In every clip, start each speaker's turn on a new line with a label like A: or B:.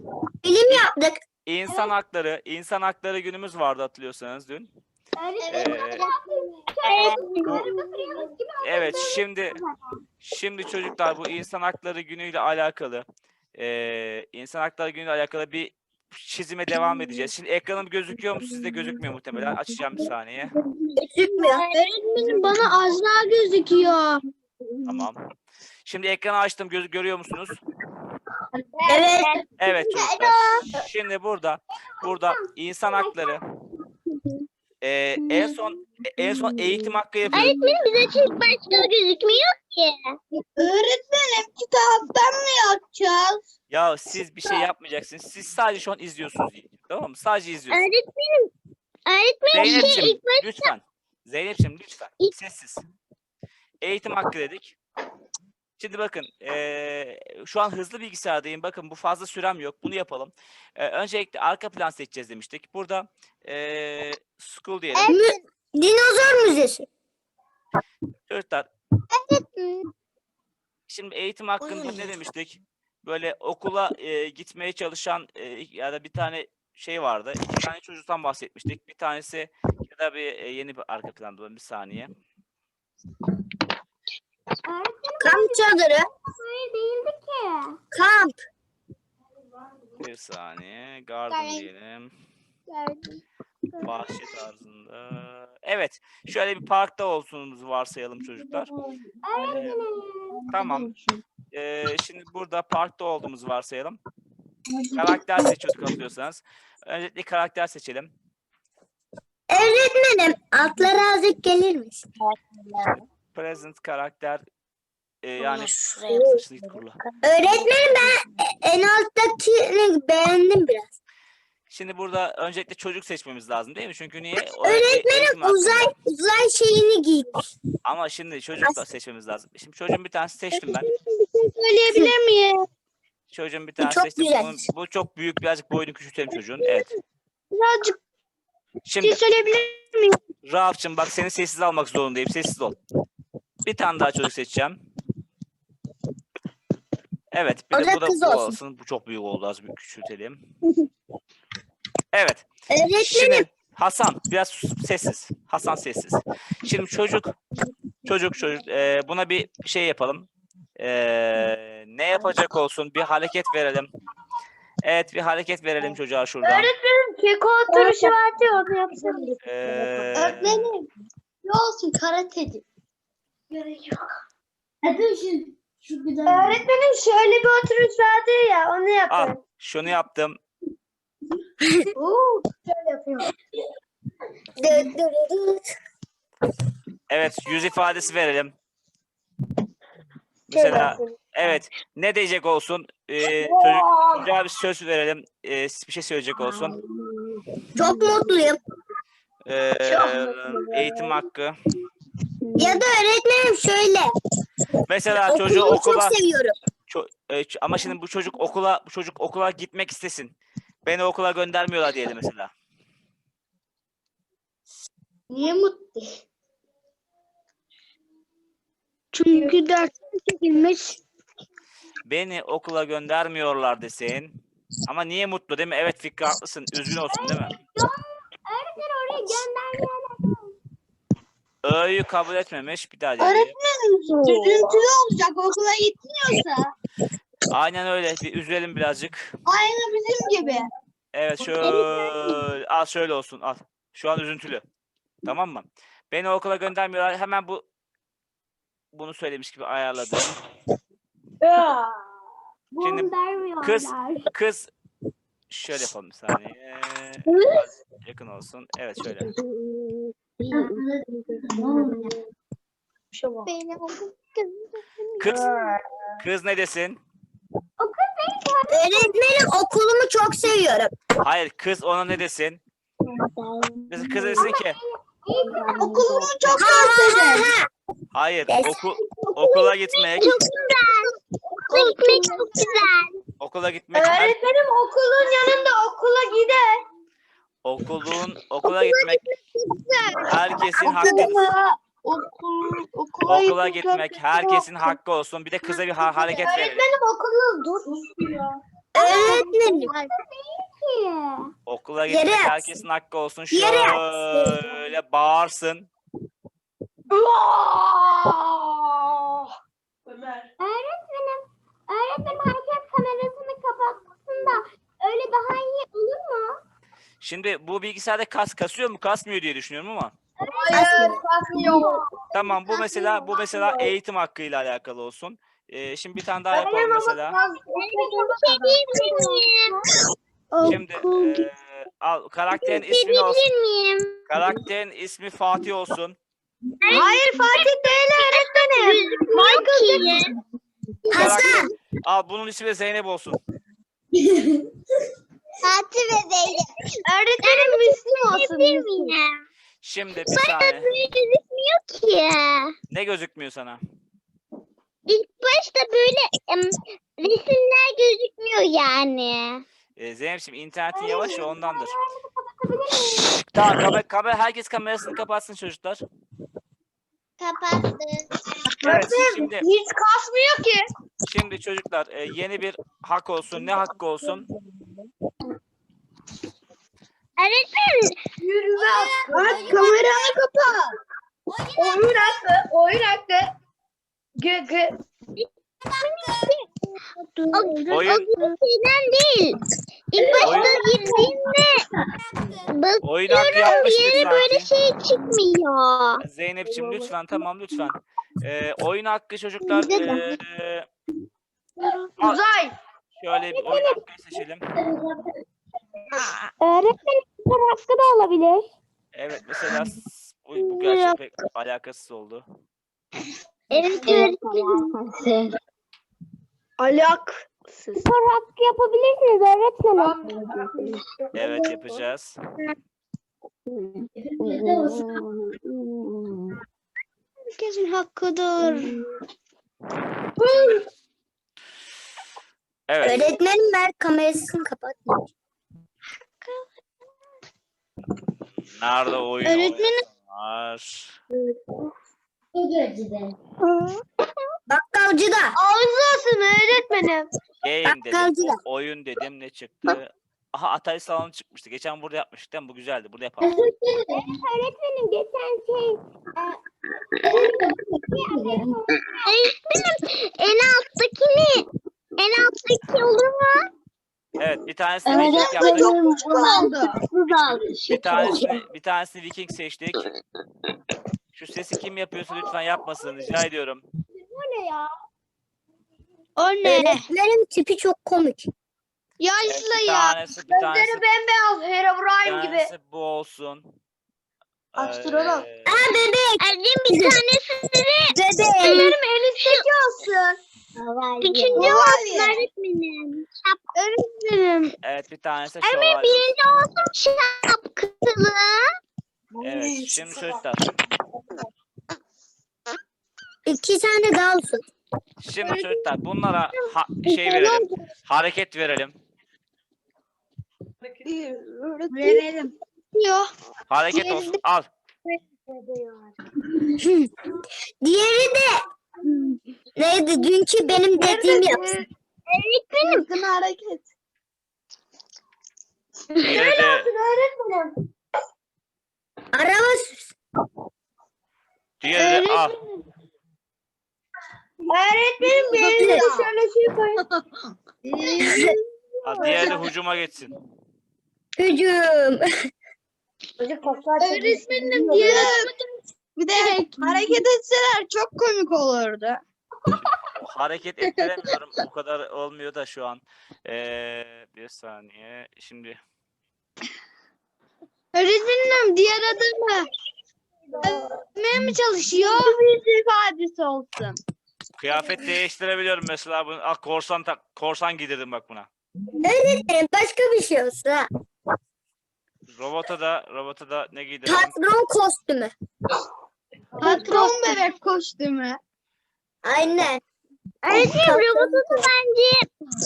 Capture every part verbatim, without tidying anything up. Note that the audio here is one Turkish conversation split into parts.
A: Bilim yaptık.
B: İnsan hakları, insan hakları günümüz vardı hatırlıyorsanız dün. Ee, bu, evet şimdi şimdi çocuklar bu insan hakları günüyle alakalı e, insan hakları günüyle alakalı bir çizime devam edeceğiz. Şimdi ekranım gözüküyor mu? Sizde gözükmüyor muhtemelen. Açacağım bir saniye.
A: Gözükmüyor.
C: Öğretmenim bana az daha gözüküyor.
B: Tamam. Şimdi ekranı açtım. Göz görüyor musunuz?
A: Evet.
B: Evet çocuklar. Şimdi burada burada insan hakları e, en son en son eğitim hakkı yapıyoruz.
C: Öğretmenim bize çünkü başka gözükmüyor ki.
A: Öğretmenim kitaptan mı yapacağız?
B: Ya siz bir şey yapmayacaksınız. Siz sadece şu an izliyorsunuz. Tamam mı? Sadece izliyorsunuz.
C: Öğretmenim, öğretmenim şey
B: Zeynep'ciğim
C: ilk baş...
B: lütfen. Zeynep'ciğim lütfen. Sessiz. Eğitim hakkı dedik. Şimdi bakın eee, şu an hızlı bilgisayardayım. Bakın bu fazla sürem yok. Bunu yapalım. Eee, öncelikle arka plan seçeceğiz demiştik. Burada eee school diyelim.
A: Dinozor müzesi.
B: Çocuklar şimdi eğitim hakkında ne demiştik? Böyle okula eee, gitmeye çalışan eee, ya da bir tane şey vardı. İki tane çocuktan bahsetmiştik. Bir tanesi ya da bir eee, yeni bir arka planda olan bir saniye.
A: Kamp çadırı.
C: Hayır değildi ki.
A: Kamp.
B: Bir saniye. Garden diyelim. Bahçe tarzında. Evet. Şöyle bir parkta olduğumuzu varsayalım çocuklar. Ee, tamam. Ee, şimdi burada parkta olduğumuzu varsayalım. Karakter seçiyorduk hatırlıyorsanız. Öncelikle karakter seçelim.
A: Öğretmenim altlara azıcık gelir misin?
B: Present karakter e, yani
A: şuraya
B: saçını git kurula.
A: Öğretmenim ben en alttakini beğendim biraz.
B: Şimdi burada öncelikle çocuk seçmemiz lazım değil mi? Çünkü niye? O, e-
A: Öğretmenim
B: eğitim hakkında.
A: uzay uzay şeyini giymiş.
B: Ama şimdi çocuk da seçmemiz lazım. Şimdi çocuğun bir tanesi seçtim ben.
C: Söyleyebilir miyim?
B: Çocuğun bir tanesi
A: çok
B: seçtim.
A: güzel.
B: Bunun- bu çok büyük, birazcık boyunu küçültelim çocuğun. Evet.
C: Birazcık bir
B: Şimdi
C: şey söyleyebilir miyim?
B: Rauf'cığım bak seni sessiz almak zorundayım. Sessiz ol. Bir tane daha çocuk seçeceğim. Evet. Bir
A: O
B: de
A: da
B: bu da
A: kız
B: bu
A: olsun.
B: olsun. Bu çok büyük oldu. Az bir küçültelim. Evet.
A: Öğretmenim
B: Şimdi Hasan biraz sus- sessiz. Hasan sessiz. Şimdi çocuk çocuk çocuk e, buna bir şey yapalım. E, ne yapacak olsun? Bir hareket verelim. Evet bir hareket verelim çocuğa şuradan.
C: Öğretmenim keko oturuşu vardı ya onu yapsana.
B: E,
A: Öğretmenim ne olsun karateci.
C: Gerek yok.
A: Hadi şu, şu güzel.
C: Öğretmenim şöyle bir oturuş vardı ya onu
B: al
C: yapın.
B: şunu yaptım.
C: Oo, şöyle yapıyorum.
B: Evet yüz ifadesi verelim.
C: Şöyle
B: Mesela
C: yapıyorum.
B: evet ne diyecek olsun? Ee, çocuk, çocuğa bir söz verelim. Ee, bir şey söyleyecek olsun.
A: Çok mutluyum.
B: Ee,
C: Çok mutluyum.
B: eğitim hakkı.
A: Ya da öğretmenim şöyle.
B: Mesela çocuğu
A: Okulumu
B: okula
A: çok seviyorum.
B: ço- e, ç- ama şimdi bu çocuk okula bu çocuk okula gitmek istesin. Beni okula göndermiyorlar diyelim mesela.
A: Niye mutlu?
C: Çünkü ders çekilmiş.
B: Beni okula göndermiyorlar desin. Ama niye mutlu değil mi? Evet Fikri haklısın. Üzgün olsun değil mi?
C: Öğretmen oraya göndermeyenler.
B: Ö'yü kabul etmemiş. Bir daha diyelim.
A: Öğretmenim üzüntülü olacak okula gitmiyorsa.
B: Aynen öyle. Bir üzelim birazcık.
A: Aynı bizim gibi.
B: Evet şöyle. Al şöyle olsun. Al. Şu an üzüntülü. Tamam mı? Beni okula göndermiyorlar. Hemen bu bunu söylemiş gibi ayarladım. Şimdi kız kız şöyle yapalım bir saniye. Biraz yakın olsun. Evet şöyle. Kız kız ne desin?
A: Öğretmenim okulumu çok seviyorum.
B: Hayır kız ona ne desin? Kız, kız desin ki
A: Okulumu çok seviyorum.
B: hayır oku, okula gitmek
C: Çok güzel. Okula gitmek çok güzel.
B: okula gitmek her,
C: Öğretmenim okulun yanında okula gider.
B: okulun okula gitmek herkesin hakkıdır.
A: Okul, okula
B: Okula
A: gitmek
B: gitmek herkesin hakkı olsun. Bir de kıza bir ha- hareket verelim.
C: Öğretmenim okulun dur.
A: Öğretmenim.
B: Okula
A: Yere
B: gitmek
A: yatsın.
B: herkesin hakkı olsun.
A: Yere yatsın.
B: Şöyle bağırsın.
D: Ömer.
C: Öğretmenim, öğretmenim herkes kamerasını kapatsın da öyle daha iyi olur mu?
B: Şimdi bu bilgisayarda kas kasıyor mu kasmıyor diye düşünüyorum ama.
D: Hayır, kasmıyor.
B: Tamam bu mesela bu mesela eğitim hakkıyla alakalı olsun. Ee, şimdi bir tane daha yapalım mesela.
C: Bir şey diyebilir miyim?
B: Şimdi eee, al karakterin ismi ne olsun?
C: Diyebilir miyim?
B: Karakterin ismi Fatih olsun.
C: Hayır Fatih değil öğretmenim. Michael ki.
B: Karakter, al bunun ismi de Zeynep olsun.
C: Fatih ve Zeynep. Öğretmenim Müslüm olsun. Miyim?
B: Şimdi bir saniye.
C: Böyle gözükmüyor ki.
B: Ne gözükmüyor sana?
C: İlk başta böyle em, resimler gözükmüyor yani.
B: Ee, Zeynep'ciğim internetin yavaş ya ondandır. Tamam kamera, kamera, herkes kamerasını kapatsın çocuklar.
C: Kapattı.
B: Evet şimdi
D: Hiç kasmıyor ki.
B: şimdi çocuklar e, yeni bir hak olsun. Ne hakkı olsun?
C: Öğretmenim.
D: Yürümez. Hadi kameranı kapat. Oyun hakkı. Oyun hakkı. Gı gı.
C: O,
B: Oyun-
C: o gibi şeyden değil. İlk başta
B: Oyun-
C: girdiğimde
B: Oyun hakkı
C: bakıyorum
B: yapmıştık
C: yere böyle
B: sanki.
C: şey çıkmıyor.
B: Zeynep'ciğim lütfen tamam lütfen. Ee, oyun hakkı çocuklar ee, al,
D: Uzay.
B: şöyle bir oyun hakkı seçelim.
C: Öğretmenim hakkı da olabilir.
B: Evet mesela s- bu, bu gerçekten pek alakasız oldu.
C: Evet öğretmenim.
D: Alak.
C: Spor hakkı yapabilirsiniz öğretmenim.
B: Evet yapacağız.
C: Herkesin hakkıdır.
B: Evet.
A: Öğretmenim ver kamerasını kapat.
B: Nerede oyun
C: Öğretmenim-
B: oynar?
A: Bakkalcıda.
C: Ağzı olsun öğretmenim.
B: Game dedim.
A: Bakkalcıda.
B: o- oyun dedim ne çıktı? Aha Atari salonu çıkmıştı. Geçen burada yapmıştık değil mi? Bu güzeldi. Burada yapalım.
C: Öğretmenim geçen şey öğretmenim en alttakini en alttaki olur mu?
B: Evet bir tanesini Viking yaptık. Bir tanesini, bir tanesini Viking seçtik. Şu sesi kim yapıyorsa lütfen yapmasın. Rica ediyorum.
C: Bu ne ya?
A: O ne? Öğretmenin tipi çok komik.
B: Evet, bir tanesi, bir tanesi,
D: Gözleri bembeyaz.
B: bir
D: Herobrine gibi.
B: tanesi bu olsun.
D: Astronot.
B: Ee,
A: Ha bebek.
C: Öğretmenim bir tanesi de
A: Bebek.
C: benim en üstteki olsun. Üçüncü olsun öğretmenim. Öğretmenim.
B: evet bir tanesi
C: Öğretmenim
B: şövalye olsun.
C: birinci olsun şapkalı.
B: Evet şimdi çocuklar.
A: İki tane daha olsun.
B: Şimdi çocuklar bunlara ha- şey verelim. Hareket verelim.
D: Verelim.
C: Yok.
B: Hareket olsun. Al.
A: Diğeri de neydi? Dünkü benim dediğim yapsın.
C: Öğretmenim.
D: Bakın hareket.
B: Diğeri de
D: Öğretmenim.
A: Araba sürsün.
B: diğeri de al.
D: Öğretmenim bir de şöyle şey koyun.
B: al. Diğeri de hücuma geçsin.
A: Hücum.
D: Öğretmenim diğer bir de hareket etseler çok komik olurdu.
B: Hareket ettiremiyorum. O kadar olmuyor da şu an. Ee, bir saniye. Şimdi
C: Öğretmenim diğer adamı. Öğretmeye mi çalışıyor?
D: Bir ifadesi olsun.
B: kıyafet değiştirebiliyorum mesela. Bunu, ah, korsan tak, korsan giydirdim bak buna.
A: Öğretmenim başka bir şey olsa.
B: Robota da robota da ne giydirdim?
A: Patron kostümü.
D: Patron bebek kostümü.
A: Aynen.
C: Öğretmenim robotu da bence.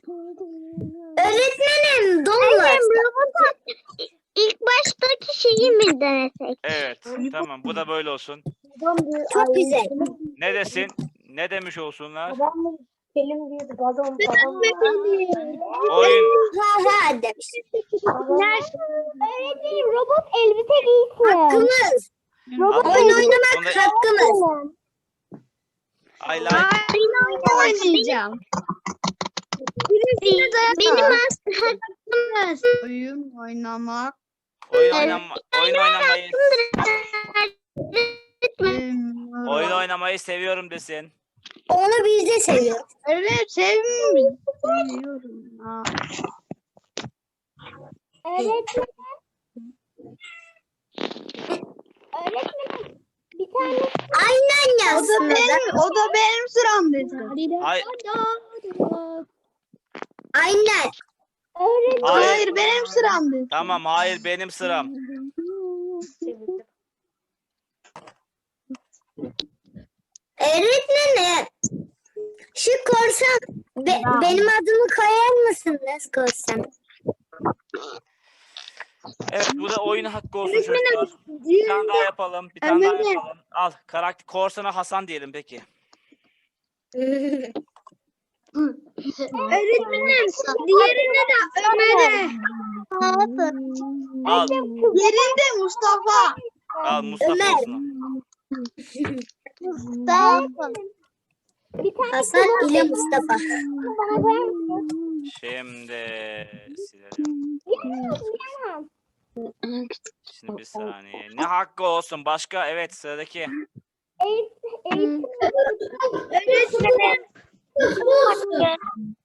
A: Öğretmenim donlar.
C: Öğretmenim robotu ilk baştaki şeyi mi denesek?
B: Evet. Tamam. Bu da böyle olsun.
A: Çok güzel.
B: Ne desin? Ne demiş olsunlar?
A: Selim diyordu. Balon balon.
B: Oyun
A: Ha ha demiş.
C: Öğretmenim robot elbise giysin.
A: Hakkımız.
C: Robot
B: Al,
A: Oyun
C: elbise
A: oynamak
B: Onda-
A: hakkımız.
B: I like.
D: oynayacağım.
A: Benim
D: hakkımız. Oyun oynamak.
B: Oyun oynama, oyun oynamayı,
D: benim-
B: oyun oynamayı seviyorum desin.
A: Onu biz de seviyoruz.
D: Evet sevmiyorum. Seviyorum. Ha.
C: Öğretmenim. Öğretmenim. Bir tane
A: Aynen
D: O da
A: yazsın.
D: benim, o da benim sıram dedi.
B: Hay,
A: Aynen.
C: öğretmenim.
B: hayır.
D: Hayır benim sıram dedi.
B: Tamam, hayır benim sıram.
A: Öğretmenim. Şu korsan be- benim adımı koyar mısınız korsan?
B: Evet, bu da oyun hakkı olsun çocuklar. Bir tane daha yapalım, bir tane daha
D: Ömer'im.
B: yapalım. Al, karakter korsana Hasan diyelim peki.
D: Öğretmenim diğerine de Ömer'e.
B: Al,
D: Yerinde Mustafa.
B: al Mustafa
A: Ömer.
B: olsun.
C: Bir tane
A: Hasan ile Mustafa.
C: bana koyar mısın?
B: Şimdi silelim.
C: Yiyemem.
B: Şimdi bir saniye. Ne hakkı olsun? Başka? Evet, sıradaki.
C: Eğitim. Eğitim.
D: Öğretmenim.